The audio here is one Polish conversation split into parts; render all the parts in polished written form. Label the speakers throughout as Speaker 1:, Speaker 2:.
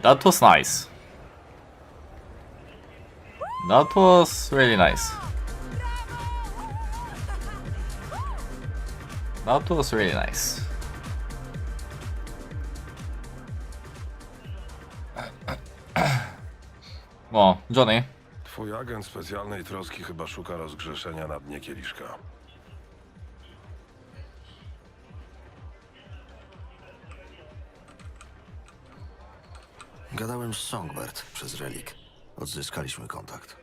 Speaker 1: That was nice. That was really nice. That was really nice. O, Johnny.
Speaker 2: Twój agent specjalnej troski chyba szuka rozgrzeszenia na dnie kieliszka.
Speaker 3: Gadałem z Songbird przez Relik. Odzyskaliśmy kontakt.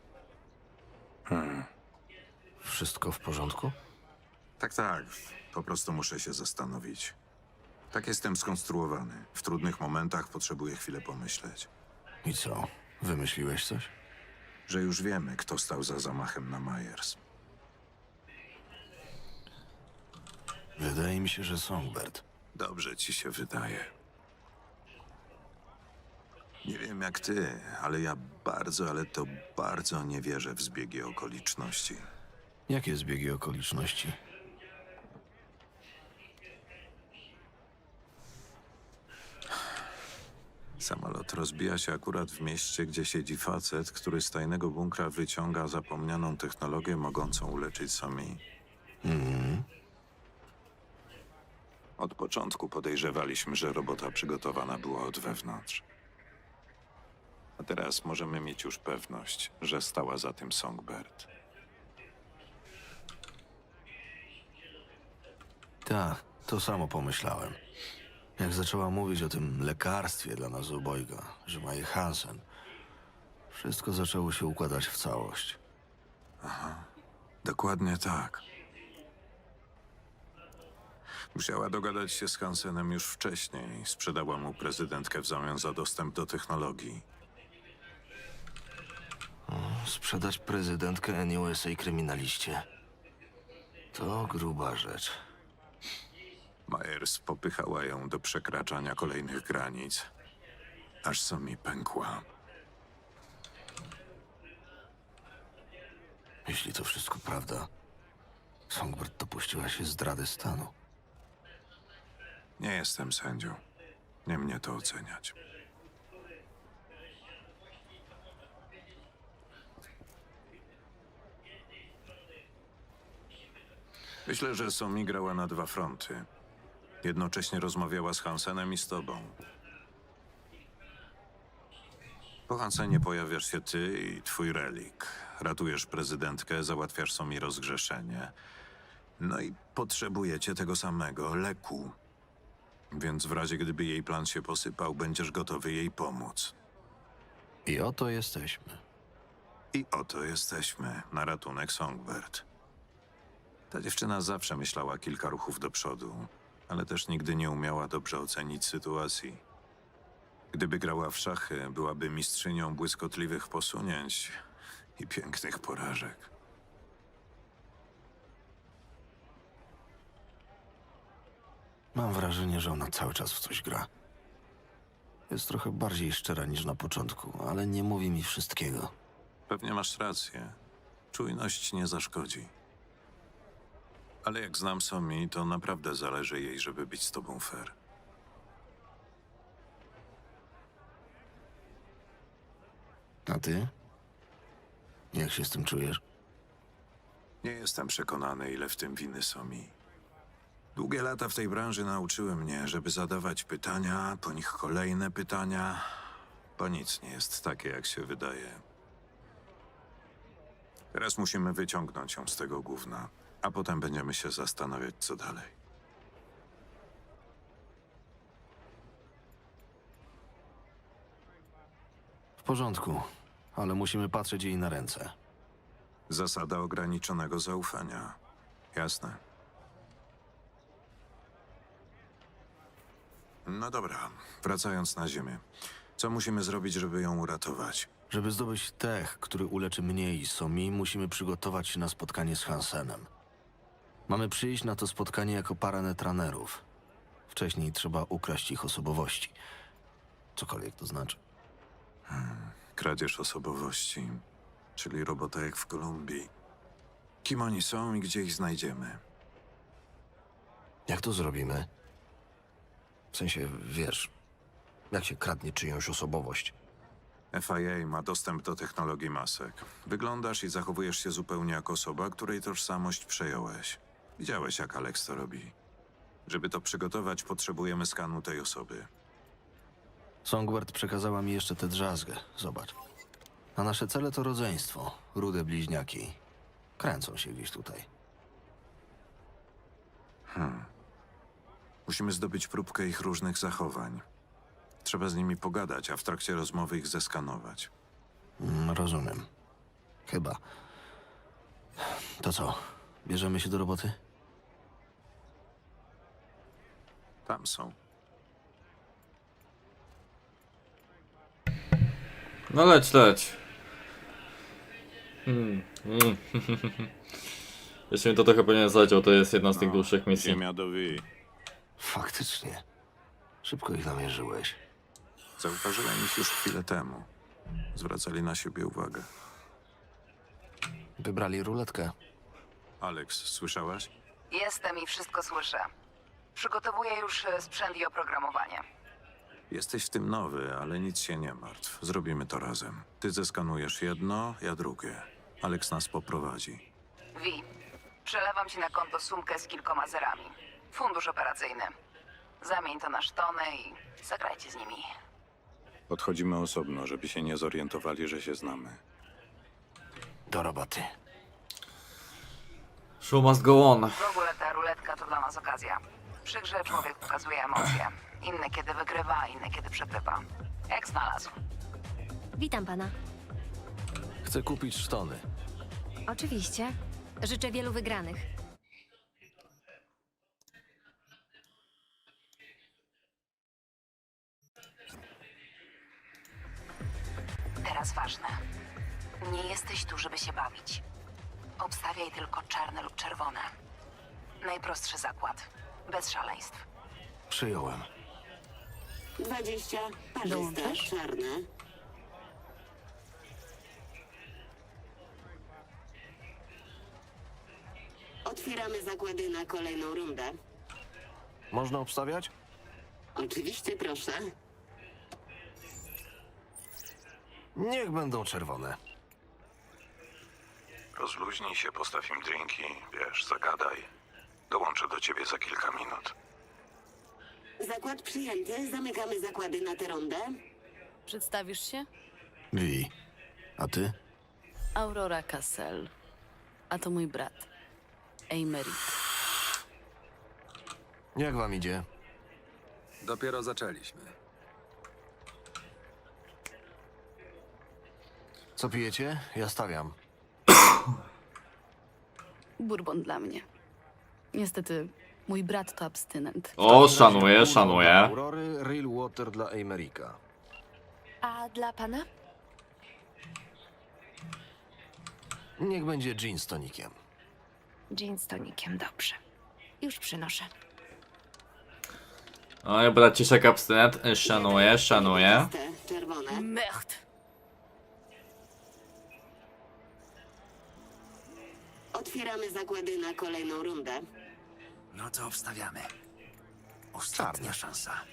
Speaker 3: Wszystko w porządku?
Speaker 4: Tak, tak. Po prostu muszę się zastanowić. Tak jestem skonstruowany. W trudnych momentach potrzebuję chwilę pomyśleć.
Speaker 3: I co? Wymyśliłeś coś?
Speaker 4: Że już wiemy, kto stał za zamachem na Myers.
Speaker 3: Wydaje mi się, że Songbird.
Speaker 4: Dobrze ci się wydaje. Nie wiem jak ty, ale ja bardzo, ale to bardzo nie wierzę w zbiegi okoliczności.
Speaker 3: Jakie zbiegi okoliczności?
Speaker 4: Samolot rozbija się akurat w mieście, gdzie siedzi facet, który z tajnego bunkra wyciąga zapomnianą technologię mogącą uleczyć Somi. Od początku podejrzewaliśmy, że robota przygotowana była od wewnątrz. A teraz możemy mieć już pewność, że stała za tym Songbird.
Speaker 3: Tak, to samo pomyślałem. Jak zaczęła mówić o tym lekarstwie dla nas obojga, że ma je Hansen, wszystko zaczęło się układać w całość.
Speaker 4: Dokładnie tak. Musiała dogadać się z Hansenem już wcześniej. Sprzedała mu prezydentkę w zamian za dostęp do technologii.
Speaker 3: Sprzedać prezydentkę NUSA kryminaliście. To gruba rzecz.
Speaker 4: Myers popychała ją do przekraczania kolejnych granic, aż Somi pękła.
Speaker 3: Jeśli to wszystko prawda, Songbird dopuściła się zdrady stanu.
Speaker 4: Nie jestem sędzią. Nie mnie to oceniać. Myślę, że Somi grała na dwa fronty. Jednocześnie rozmawiała z Hansenem i z tobą. Po Hansenie pojawiasz się ty i twój relik. Ratujesz prezydentkę, załatwiasz Somi rozgrzeszenie. No i potrzebujecie tego samego leku. Więc w razie gdyby jej plan się posypał, będziesz gotowy jej pomóc.
Speaker 3: I oto jesteśmy.
Speaker 4: I oto jesteśmy, na ratunek Songbird. Ta dziewczyna zawsze myślała kilka ruchów do przodu, ale też nigdy nie umiała dobrze ocenić sytuacji. Gdyby grała w szachy, byłaby mistrzynią błyskotliwych posunięć i pięknych porażek.
Speaker 3: Mam wrażenie, że ona cały czas w coś gra. Jest trochę bardziej szczera niż na początku, ale nie mówi mi wszystkiego.
Speaker 4: Pewnie masz rację. Czujność nie zaszkodzi. Ale jak znam Somi, to naprawdę zależy jej, żeby być z tobą fair.
Speaker 3: A ty? Jak się z tym czujesz?
Speaker 4: Nie jestem przekonany, ile w tym winy Somi. Długie lata w tej branży nauczyły mnie, żeby zadawać pytania, po nich kolejne pytania, bo nic nie jest takie, jak się wydaje. Teraz musimy wyciągnąć ją z tego gówna, a potem będziemy się zastanawiać, co dalej.
Speaker 3: W porządku, ale musimy patrzeć jej na ręce.
Speaker 4: Zasada ograniczonego zaufania. Jasne. No dobra, wracając na ziemię. Co musimy zrobić, żeby ją uratować?
Speaker 3: Żeby zdobyć tech, który uleczy mnie i Somi, musimy przygotować się na spotkanie z Hansenem. Mamy przyjść na to spotkanie jako para netranerów. Wcześniej trzeba ukraść ich osobowości. Cokolwiek to znaczy.
Speaker 4: Kradzież osobowości, czyli robota jak w Kolumbii. Kim oni są i gdzie ich znajdziemy?
Speaker 3: Jak to zrobimy? W sensie, wiesz,
Speaker 5: Jak się kradnie czyjąś osobowość?
Speaker 4: FIA ma dostęp do technologii masek. Wyglądasz i zachowujesz się zupełnie jak osoba, której tożsamość przejąłeś. Widziałeś, jak Alex to robi. Żeby to przygotować, potrzebujemy skanu tej osoby.
Speaker 3: Songbird przekazała mi jeszcze tę drzazgę. Zobacz. A nasze cele to rodzeństwo. Rude bliźniaki. Kręcą się gdzieś tutaj.
Speaker 4: Musimy zdobyć próbkę ich różnych zachowań. Trzeba z nimi pogadać, a w trakcie rozmowy ich zeskanować.
Speaker 3: Rozumiem. Chyba. To co? Bierzemy się do roboty?
Speaker 4: Tam są.
Speaker 1: No leć. Jeszcze mi to trochę pewnie zleciał, to jest jedna z tych dłuższych misji.
Speaker 4: Ziemia do wy.
Speaker 3: Faktycznie. Szybko ich namierzyłeś.
Speaker 4: Zauważyłem ich już chwilę temu. Zwracali na siebie uwagę.
Speaker 3: Wybrali ruletkę.
Speaker 4: Alex, słyszałaś?
Speaker 6: Jestem i wszystko słyszę. Przygotowuję już sprzęt i oprogramowanie.
Speaker 4: Jesteś w tym nowy, ale nic się nie martw. Zrobimy to razem. Ty zeskanujesz jedno, ja drugie. Alex nas poprowadzi.
Speaker 6: Wi, przelewam ci na konto sumkę z kilkoma zerami. Fundusz operacyjny. Zamień to na sztony i zagrajcie z nimi.
Speaker 4: Podchodzimy osobno, żeby się nie zorientowali, że się znamy.
Speaker 3: Do roboty.
Speaker 1: Show must go on.
Speaker 6: W ogóle ta ruletka to dla nas okazja. Przy grze człowiek pokazuje emocje. Inne kiedy wygrywa, inne kiedy przegrywa. Jak znalazł.
Speaker 7: Witam pana.
Speaker 3: Chcę kupić sztony.
Speaker 7: Oczywiście. Życzę wielu wygranych.
Speaker 6: Teraz ważne. Nie jesteś tu, żeby się bawić. Obstawiaj tylko czarne lub czerwone. Najprostszy zakład. Bez szaleństw.
Speaker 3: Przyjąłem.
Speaker 8: 20, parzyste,
Speaker 7: Dołączasz?
Speaker 8: czarne. Otwieramy zakłady na kolejną rundę.
Speaker 5: Można obstawiać?
Speaker 8: Oczywiście, proszę.
Speaker 5: Niech będą czerwone.
Speaker 2: Rozluźnij się, postaw im drinki, wiesz, zagadaj. Dołączę do ciebie za kilka minut.
Speaker 8: Zakład przyjęty. Zamykamy zakłady na tę rundę.
Speaker 9: Przedstawisz się?
Speaker 3: Wi. A ty?
Speaker 9: Aurora Cassell. A to mój brat. Emery.
Speaker 5: Jak wam idzie?
Speaker 10: Dopiero zaczęliśmy.
Speaker 5: Co pijecie? Ja stawiam.
Speaker 9: Bourbon dla mnie. Niestety, mój brat to abstynent.
Speaker 1: O, szanuję.
Speaker 5: Aurory, Real Water dla Amerika.
Speaker 7: A dla pana?
Speaker 5: Niech będzie gin z tonikiem.
Speaker 7: Gin z tonikiem, dobrze. Już przynoszę.
Speaker 1: Oj, braciszek abstynent. Szanuję.
Speaker 8: Parzyste, czerwone.
Speaker 9: Mecht!
Speaker 8: Otwieramy zakłady na kolejną rundę.
Speaker 10: No to obstawiamy. Ostatnia szansa.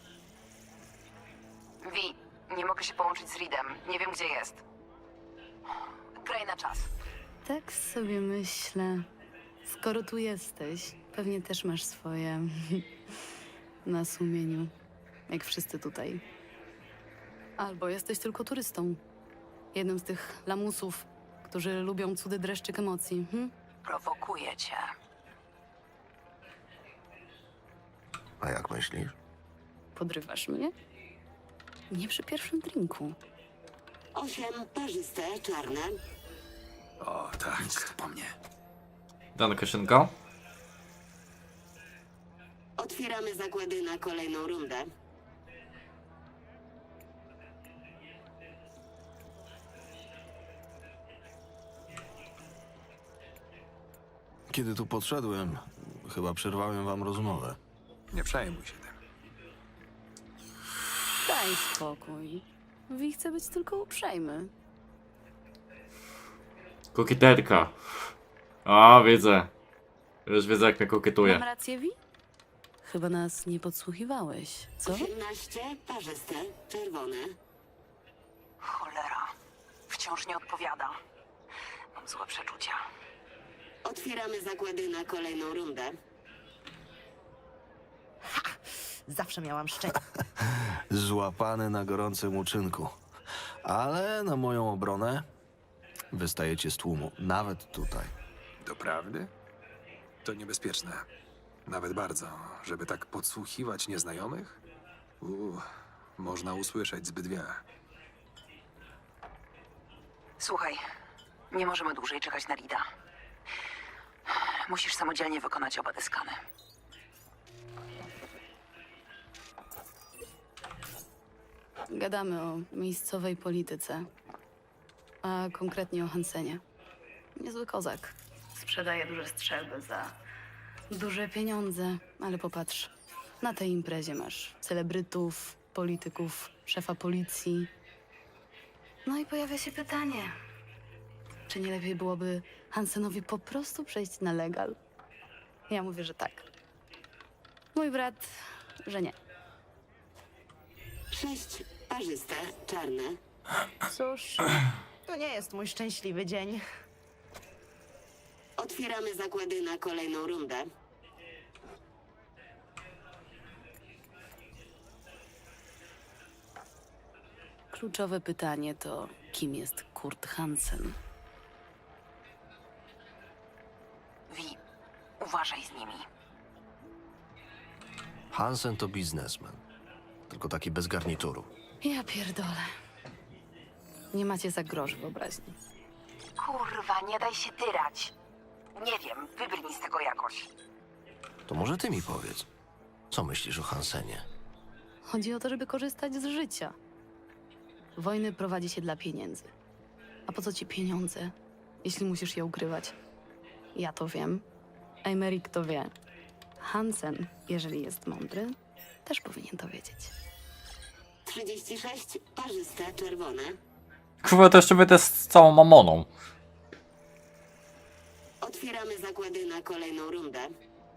Speaker 6: Wi, nie mogę się połączyć z Reedem. Nie wiem, gdzie jest. Graj na czas.
Speaker 9: Tak sobie myślę. Skoro tu jesteś, pewnie też masz swoje na sumieniu. Jak wszyscy tutaj. Albo jesteś tylko turystą. Jednym z tych lamusów, którzy lubią cudy dreszczyk emocji.
Speaker 6: Prowokuję cię.
Speaker 5: A jak myślisz?
Speaker 9: Podrywasz mnie? Nie przy pierwszym drinku.
Speaker 8: 8, parzyste, czarne.
Speaker 10: O, tak. Nic po mnie.
Speaker 1: Danka szynka.
Speaker 8: Otwieramy zakłady na kolejną rundę.
Speaker 3: Kiedy tu podszedłem, chyba przerwałem wam rozmowę.
Speaker 10: Nie przejmuj się tym.
Speaker 9: Daj spokój. Wi chce być tylko uprzejmy.
Speaker 1: Kokieterka. A, widzę. Już wiedzę, jak mnie
Speaker 9: Mam
Speaker 1: kokietuje.
Speaker 9: rację, Wi? chyba nas nie podsłuchiwałeś, co?
Speaker 8: 18, parzyste, czerwone.
Speaker 6: Cholera. Wciąż nie odpowiada. Mam złe przeczucia.
Speaker 8: Otwieramy zakłady na kolejną rundę.
Speaker 11: Zawsze miałam szczęście.
Speaker 3: Złapany na gorącym uczynku. Ale na moją obronę wystajecie z tłumu, nawet tutaj.
Speaker 10: Doprawdy? To niebezpieczne. Nawet bardzo, żeby tak podsłuchiwać nieznajomych? Można usłyszeć zbyt wiele.
Speaker 6: Słuchaj, nie możemy dłużej czekać na Rida. Musisz samodzielnie wykonać oba te skany.
Speaker 9: Gadamy o miejscowej polityce, a konkretnie o Hansenie. Niezły kozak. Sprzedaje duże strzelby za duże pieniądze, ale popatrz, na tej imprezie masz celebrytów, polityków, szefa policji. No i pojawia się pytanie, czy nie lepiej byłoby Hansenowi po prostu przejść na legal? Ja mówię, że tak. Mój brat, że nie.
Speaker 8: 6, parzyste, czarne.
Speaker 11: Cóż, to nie jest mój szczęśliwy dzień.
Speaker 8: Otwieramy zakłady na kolejną rundę.
Speaker 9: Kluczowe pytanie to, kim jest Kurt Hansen?
Speaker 6: Wi, uważaj z nimi.
Speaker 3: Hansen to biznesmen. Tylko taki bez garnituru.
Speaker 9: Ja pierdolę. Nie macie za grosz wyobraźni.
Speaker 6: Kurwa, nie daj się tyrać. Nie wiem, wybrnij z tego jakoś.
Speaker 3: To może ty mi powiedz, co myślisz o Hansenie?
Speaker 9: Chodzi o to, żeby korzystać z życia. Wojny prowadzi się dla pieniędzy. A po co ci pieniądze, jeśli musisz je ukrywać? Ja to wiem. Emeryk to wie. Hansen, jeżeli jest mądry, też powinien to wiedzieć.
Speaker 8: 36, parzyste, czerwone.
Speaker 1: Kurwa, to jeszcze będę z całą mamoną.
Speaker 8: Otwieramy zakłady na kolejną rundę.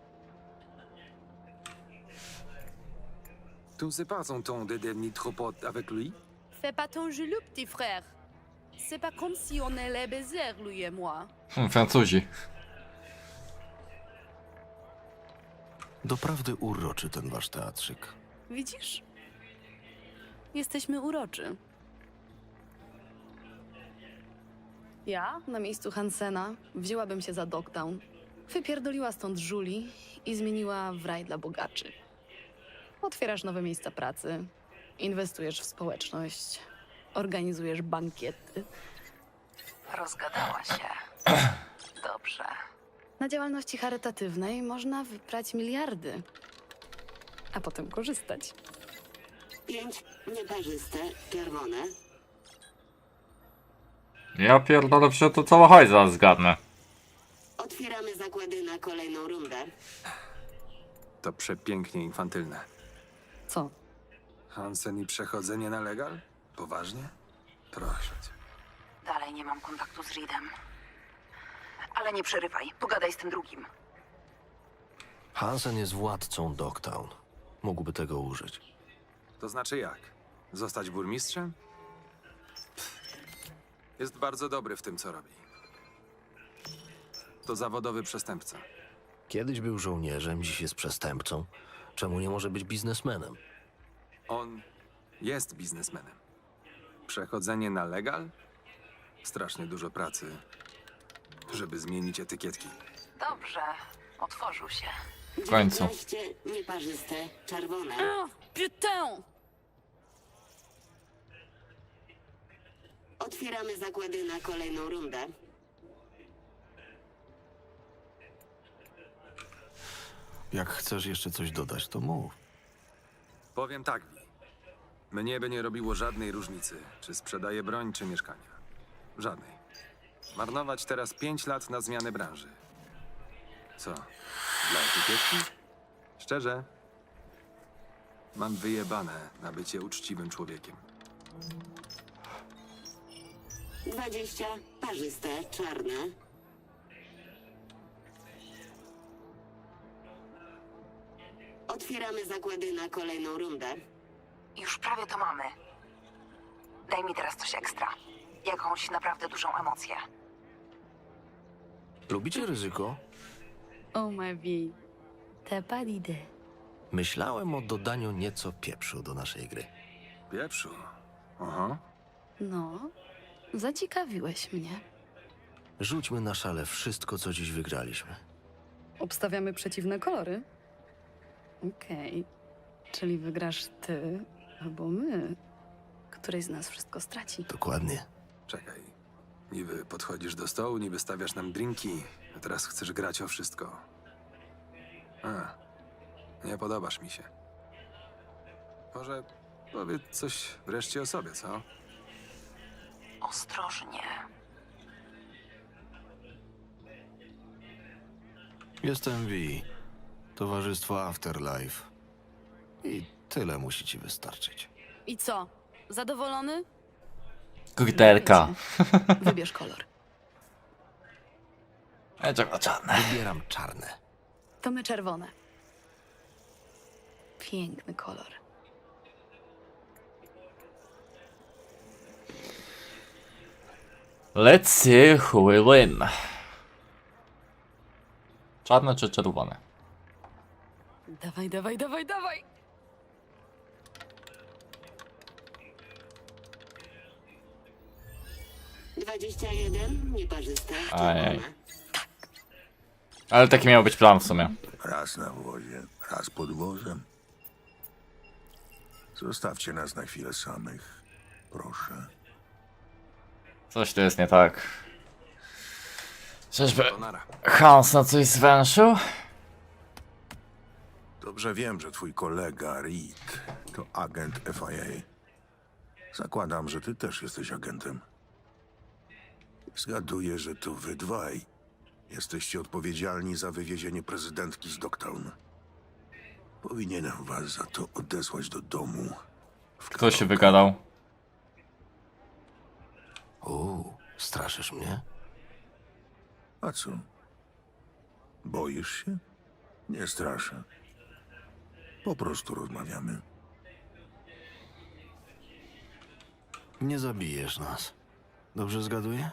Speaker 10: Tu se passe on ton de dernier trop avec lui?
Speaker 7: Fais pas ton jaloux, petit frère. C'est pas comme si on allait baiser, lui et moi.
Speaker 1: Francuzi.
Speaker 3: Doprawdy uroczy ten wasz teatrzyk.
Speaker 9: Widzisz? Jesteśmy uroczy. Ja, na miejscu Hansena, wzięłabym się za Dogtown, wypierdoliła stąd żuli i zmieniła w raj dla bogaczy. Otwierasz nowe miejsca pracy, inwestujesz w społeczność, organizujesz bankiety.
Speaker 6: Rozgadała się. Dobrze.
Speaker 9: Na działalności charytatywnej można wyprać miliardy, a potem korzystać.
Speaker 8: 5, nieparzyste, czerwone.
Speaker 1: Ja pierdolę, przecież to cała hajza zgadnę.
Speaker 8: Otwieramy zakłady na kolejną rundę.
Speaker 10: To przepięknie infantylne.
Speaker 9: Co?
Speaker 10: Hansen i przechodzenie na legal? Poważnie? Proszę cię.
Speaker 6: Dalej nie mam kontaktu z Reedem. Ale nie przerywaj, pogadaj z tym drugim.
Speaker 3: Hansen jest władcą Dogtown. Mógłby tego użyć.
Speaker 10: To znaczy jak? Zostać burmistrzem? Jest bardzo dobry w tym, co robi. To zawodowy przestępca.
Speaker 3: Kiedyś był żołnierzem, dziś jest przestępcą. Czemu nie może być biznesmenem?
Speaker 10: On jest biznesmenem. Przechodzenie na legal? Strasznie dużo pracy, żeby zmienić etykietki.
Speaker 6: Dobrze, otworzył się.
Speaker 1: W końcu.
Speaker 8: 19, nieparzyste, czerwone.
Speaker 7: Oh, putain!
Speaker 8: Otwieramy zakłady na kolejną rundę.
Speaker 3: Jak chcesz jeszcze coś dodać, to mów.
Speaker 10: Powiem tak, Vi. Mnie by nie robiło żadnej różnicy, czy sprzedaję broń, czy mieszkania. Żadnej. Marnować teraz 5 lat na zmianę branży. Co? Dla etykietki? Szczerze? Mam wyjebane na bycie uczciwym człowiekiem.
Speaker 8: 20, parzyste, czarne. otwieramy zakłady na kolejną rundę.
Speaker 6: Już prawie to mamy. Daj mi teraz coś ekstra. Jakąś naprawdę dużą emocję.
Speaker 3: Lubicie ryzyko?
Speaker 9: Oh ma vie. T'as pas d'idée.
Speaker 5: Myślałem o dodaniu nieco pieprzu do naszej gry.
Speaker 10: Pieprzu. Aha.
Speaker 9: No, zaciekawiłeś mnie.
Speaker 3: Rzućmy na szale wszystko, co dziś wygraliśmy.
Speaker 9: Obstawiamy przeciwne kolory? Okej. Czyli wygrasz ty albo my. Któryś z nas wszystko straci.
Speaker 3: Dokładnie.
Speaker 10: Czekaj. Niby podchodzisz do stołu, niby stawiasz nam drinki, a teraz chcesz grać o wszystko. Nie podobasz mi się. Może powiedz coś wreszcie o sobie, co?
Speaker 6: Ostrożnie.
Speaker 3: Jestem V. Towarzystwo Afterlife. I tyle musi ci wystarczyć.
Speaker 9: I co? Zadowolony?
Speaker 1: Kurterka.
Speaker 9: Wybierz kolor.
Speaker 1: Czarne.
Speaker 3: Wybieram czarne.
Speaker 9: To my czerwone. Piękny kolor.
Speaker 1: Let's see who will win. Czarne czy czerwone?
Speaker 9: Dawaj, dawaj, dawaj, dawaj!
Speaker 8: - 21, nieparzyste.
Speaker 1: Ajaj. Ale taki miał być plan w sumie.
Speaker 2: Raz na wozie, raz pod wozem. Zostawcie nas na chwilę samych, proszę.
Speaker 1: Coś tu jest nie tak. Czyżby
Speaker 10: To nara.
Speaker 1: Hans na coś zwęszył?
Speaker 2: Dobrze wiem, że twój kolega Reed to agent FIA. Zakładam, że ty też jesteś agentem. Zgaduję, że to wy dwaj jesteście odpowiedzialni za wywiezienie prezydentki z Dogtown. Powinienem was za to odesłać do domu.
Speaker 1: Kto się wygadał?
Speaker 3: Straszysz mnie?
Speaker 2: A co? Boisz się? Nie straszę. Po prostu rozmawiamy.
Speaker 3: Nie zabijesz nas. Dobrze zgaduję?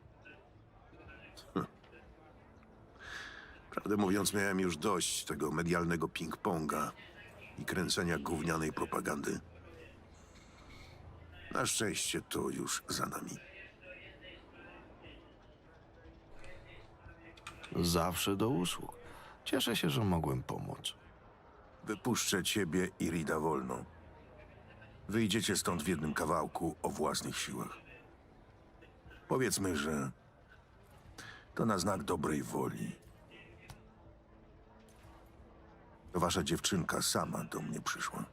Speaker 2: Prawdę mówiąc, miałem już dość tego medialnego ping-ponga i kręcenia gównianej propagandy. Na szczęście to już za nami.
Speaker 3: Zawsze do usług. Cieszę się, że mogłem pomóc.
Speaker 2: Wypuszczę ciebie i Rida wolno. Wyjdziecie stąd w jednym kawałku o własnych siłach. Powiedzmy, że to na znak dobrej woli. To wasza dziewczynka sama do mnie przyszła.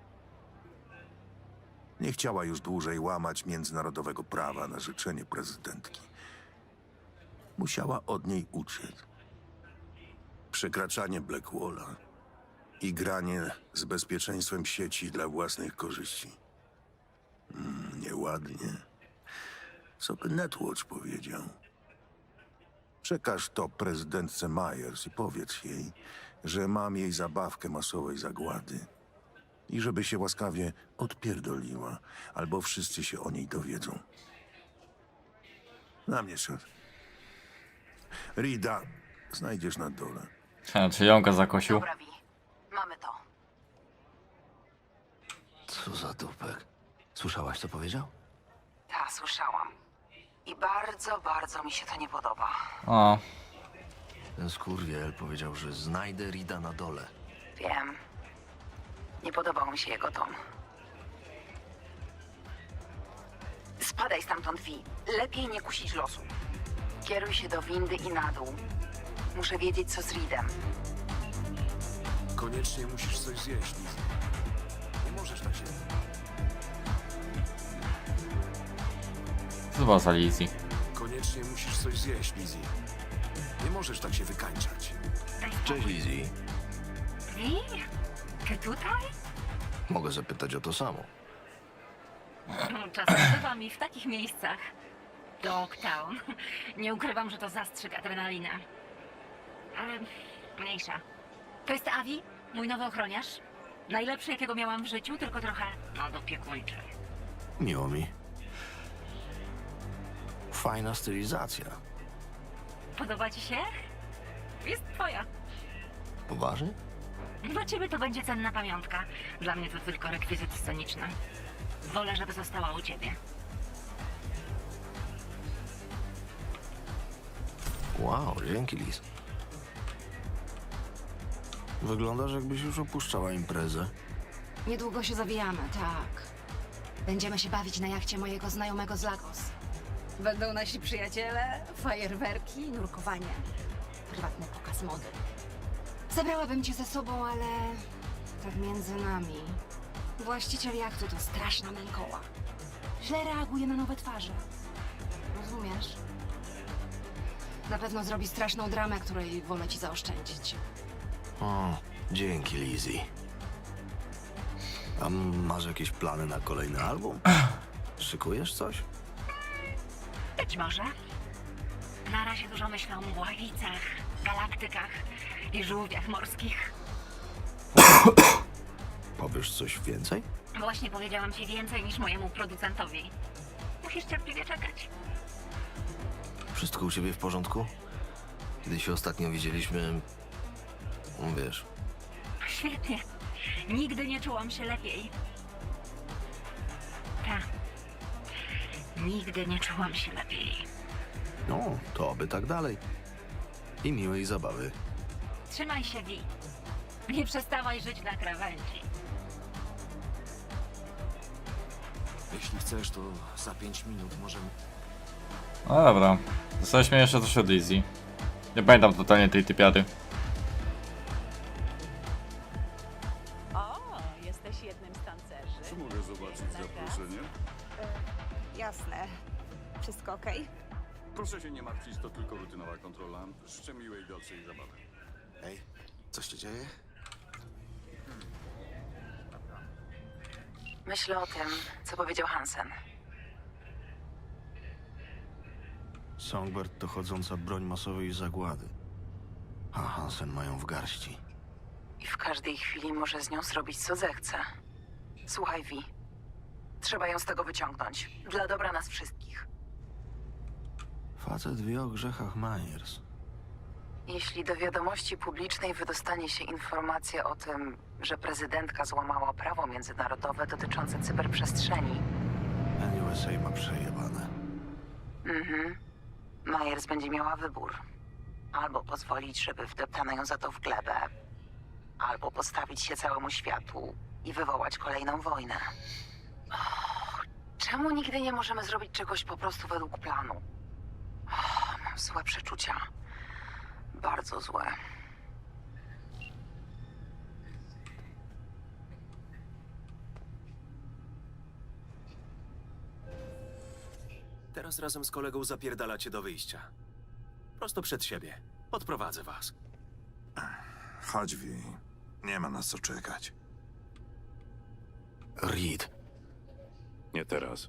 Speaker 2: Nie chciała już dłużej łamać międzynarodowego prawa na życzenie prezydentki. Musiała od niej uciec. Przekraczanie Blackwalla i granie z bezpieczeństwem sieci dla własnych korzyści. Nieładnie. Co by Netwatch powiedział? Przekaż to prezydentce Myers i powiedz jej, że mam jej zabawkę masowej zagłady i żeby się łaskawie odpierdoliła, albo wszyscy się o niej dowiedzą. Na mnie szedł. Rida znajdziesz na dole.
Speaker 1: Czy jąka zakosił?
Speaker 6: Dobra, Vi. Mamy to.
Speaker 3: Co za dupek. Słyszałaś, co powiedział?
Speaker 6: Ta, słyszałam. I bardzo, bardzo mi się to nie podoba.
Speaker 1: O,
Speaker 3: Ten skurwiel powiedział, że znajdę Rida na dole.
Speaker 6: Wiem. Nie podobał mi się jego ton. Spadaj stamtąd, Vi. Lepiej nie kusić losu. Kieruj się do windy i na dół. Muszę wiedzieć, co z Reedem.
Speaker 4: Koniecznie musisz coś zjeść, Liz. Nie możesz tak się...
Speaker 1: co to była za Lizzie?
Speaker 4: Koniecznie musisz coś zjeść, Lizzie. Nie możesz tak się wykańczać.
Speaker 3: Cześć, Lizzie.
Speaker 6: Vi? Ty tutaj?
Speaker 3: Mogę zapytać o to samo.
Speaker 12: Czasem bywa mi w takich miejscach. Dogtown. Nie ukrywam, że to zastrzyk adrenaliny. Ale mniejsza. To jest Avi? Mój nowy ochroniarz. Najlepszy, jakiego miałam w życiu, tylko trochę nadopiekuńczy.
Speaker 3: Miło mi. Fajna stylizacja.
Speaker 12: Podoba ci się? Jest twoja.
Speaker 3: Poważnie?
Speaker 12: Dla ciebie to będzie cenna pamiątka. Dla mnie to tylko rekwizyt sceniczny. Wolę, żeby została u ciebie.
Speaker 3: Wow, dzięki, Liz. Wyglądasz, jakbyś już opuszczała imprezę.
Speaker 6: Niedługo się zawijamy, tak. Będziemy się bawić na jachcie mojego znajomego z Lagos. Będą nasi przyjaciele, fajerwerki, nurkowanie. Prywatny pokaz mody. Zabrałabym cię ze sobą, ale tak między nami. Właściciel jachtu to straszna mękoła. Źle reaguje na nowe twarze. Rozumiesz? Na pewno zrobi straszną dramę, której wolę ci zaoszczędzić.
Speaker 3: O, dzięki, Lizzie. A masz jakieś plany na kolejny album? Szykujesz coś?
Speaker 12: Być może. Na razie dużo myślę o mgławicach, galaktykach i żółwiach morskich.
Speaker 3: Powiesz coś więcej?
Speaker 12: Właśnie powiedziałam ci więcej niż mojemu producentowi. Musisz cierpliwie czekać.
Speaker 3: Wszystko u ciebie w porządku? Kiedy się ostatnio widzieliśmy... Wiesz,
Speaker 12: Świetnie. Nigdy nie czułam się lepiej. Tak. Nigdy nie czułam się lepiej.
Speaker 3: no, to oby tak dalej. I miłej zabawy.
Speaker 12: Trzymaj się, Vi. Nie przestawaj żyć na krawędzi.
Speaker 5: Jeśli chcesz, to za 5 minut możemy...
Speaker 1: No dobra. Dostaliśmy jeszcze coś od Lizzie. Nie pamiętam totalnie tej typiary.
Speaker 11: O, jesteś jednym z tancerzy.
Speaker 2: Czy mogę zobaczyć zaproszenie?
Speaker 11: Jasne. Wszystko okej?
Speaker 2: Proszę się nie martwić, to tylko rutynowa kontrola. Życzę miłej dalszej zabawy.
Speaker 5: Ej, coś się dzieje?
Speaker 6: Myślę o tym, co powiedział Hansen.
Speaker 3: Songbird to chodząca broń masowej zagłady. A Hansen mają w garści.
Speaker 6: I w każdej chwili może z nią zrobić, co zechce. Słuchaj, Vi. Trzeba ją z tego wyciągnąć. Dla dobra nas wszystkich.
Speaker 3: Facet wie o grzechach Myers.
Speaker 6: Jeśli do wiadomości publicznej wydostanie się informacja o tym, że prezydentka złamała prawo międzynarodowe dotyczące cyberprzestrzeni,
Speaker 3: NUSA ma przejebane.
Speaker 6: Myers będzie miała wybór. Albo pozwolić, żeby wdeptano ją za to w glebę, albo postawić się całemu światu i wywołać kolejną wojnę. Czemu nigdy nie możemy zrobić czegoś po prostu według planu? Mam złe przeczucia. Bardzo złe.
Speaker 5: Teraz razem z kolegą zapierdalacie do wyjścia. Prosto przed siebie. Odprowadzę was.
Speaker 4: Chodź, Vi. Nie ma nas co czekać.
Speaker 3: Reed,
Speaker 4: Nie teraz.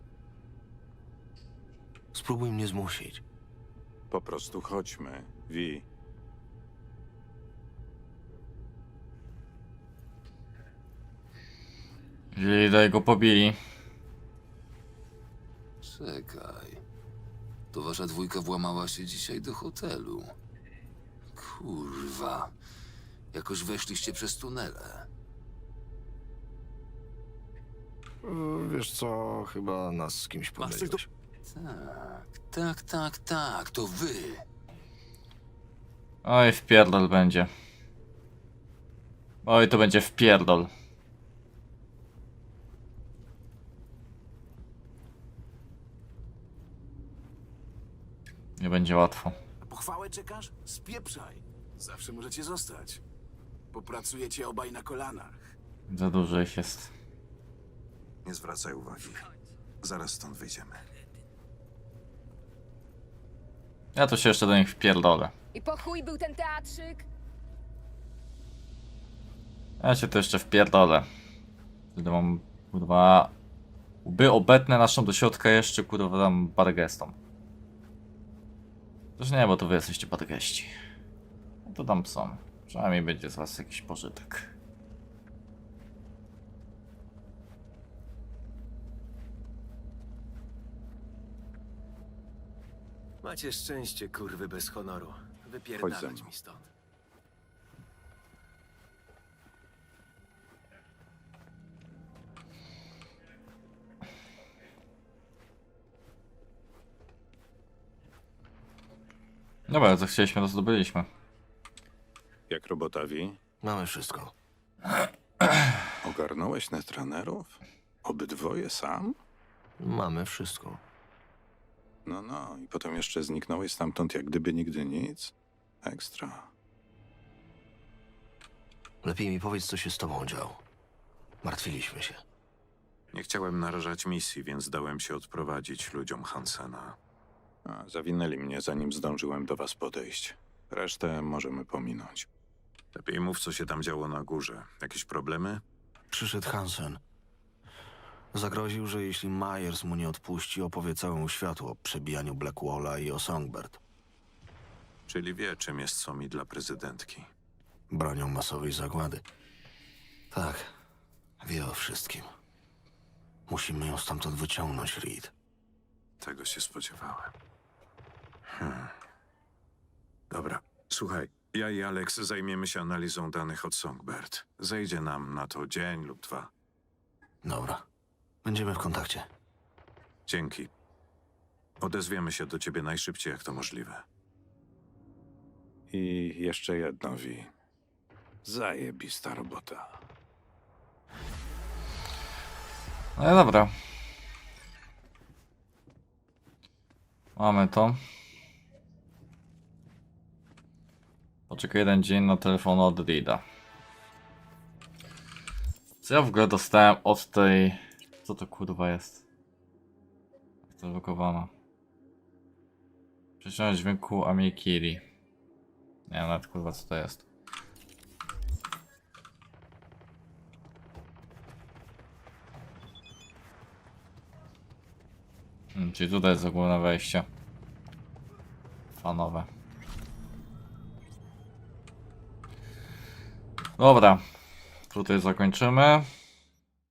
Speaker 3: spróbuj mnie zmusić.
Speaker 4: Po prostu chodźmy, Vi.
Speaker 1: Jeżeli go pobili.
Speaker 13: Czekaj. To wasza dwójka włamała się dzisiaj do hotelu. Kurwa. Jakoś weszliście przez tunele.
Speaker 3: Wiesz co, chyba nas z kimś pomyliłeś.
Speaker 13: Tak, to wy.
Speaker 1: Oj, wpierdol będzie. Oj, to będzie wpierdol. Nie będzie łatwo.
Speaker 5: Na pochwałę czekasz? Spieprzaj. Zawsze możecie zostać. Popracujecie obaj na kolanach.
Speaker 1: Za dużo ich jest.
Speaker 4: Nie zwracaj uwagi. Zaraz stąd wyjdziemy.
Speaker 1: Ja to się jeszcze do nich wpierdolę.
Speaker 7: I po chuj był ten teatrzyk?
Speaker 1: Ja się to jeszcze wpierdolę. Wtedy mam, kurwa... By obetnę naszą do środka jeszcze, kurwa, dam parę gestom. Też nie, bo to wy jesteście pargeści. No to tam są. Przynajmniej będzie z was jakiś pożytek.
Speaker 14: Macie szczęście, kurwy bez honoru.
Speaker 2: Chodź ze
Speaker 14: Wypierdalać
Speaker 2: mną.
Speaker 14: mi stąd.
Speaker 1: Dobra, co chcieliśmy, to zdobyliśmy.
Speaker 2: Jak robotawi?
Speaker 3: Mamy wszystko.
Speaker 2: Ogarnąłeś netranerów? Obydwoje sam?
Speaker 3: Mamy wszystko.
Speaker 2: No, i potem jeszcze zniknąłeś stamtąd jak gdyby nigdy nic? Ekstra.
Speaker 3: Lepiej mi powiedz, co się z tobą działo. Martwiliśmy się.
Speaker 4: Nie chciałem narażać misji, więc dałem się odprowadzić ludziom Hansena.
Speaker 2: Zawinęli mnie, zanim zdążyłem do was podejść. Resztę możemy pominąć.
Speaker 4: Lepiej mów, co się tam działo na górze. Jakieś problemy?
Speaker 3: Przyszedł Hansen. Zagroził, że jeśli Myers mu nie odpuści, opowie całemu światu o przebijaniu Blackwalla i o Songbird.
Speaker 4: Czyli wie, czym jest Somi dla prezydentki.
Speaker 3: Bronią masowej zagłady. Tak, wie o wszystkim. Musimy ją stamtąd wyciągnąć, Reed.
Speaker 4: Tego się spodziewałem. Dobra, słuchaj. Ja i Alex zajmiemy się analizą danych od Songbird. Zejdzie nam na to dzień lub 2.
Speaker 3: Dobra. Będziemy w kontakcie.
Speaker 4: Dzięki. Odezwiemy się do ciebie najszybciej, jak to możliwe.
Speaker 2: I jeszcze jedno, Vi. Zajebista robota.
Speaker 1: No i dobra. Mamy to. Poczekaj jeden dzień na telefon od Reeda. Co ja w ogóle dostałem od tej... Co to kurwa jest? Jak to blokowana? Przeciągnąć dźwięku Amikiri. Nie wiem nawet kurwa co to jest. Czyli tutaj jest ogólne wejście. Fanowe. Dobra. Tutaj zakończymy.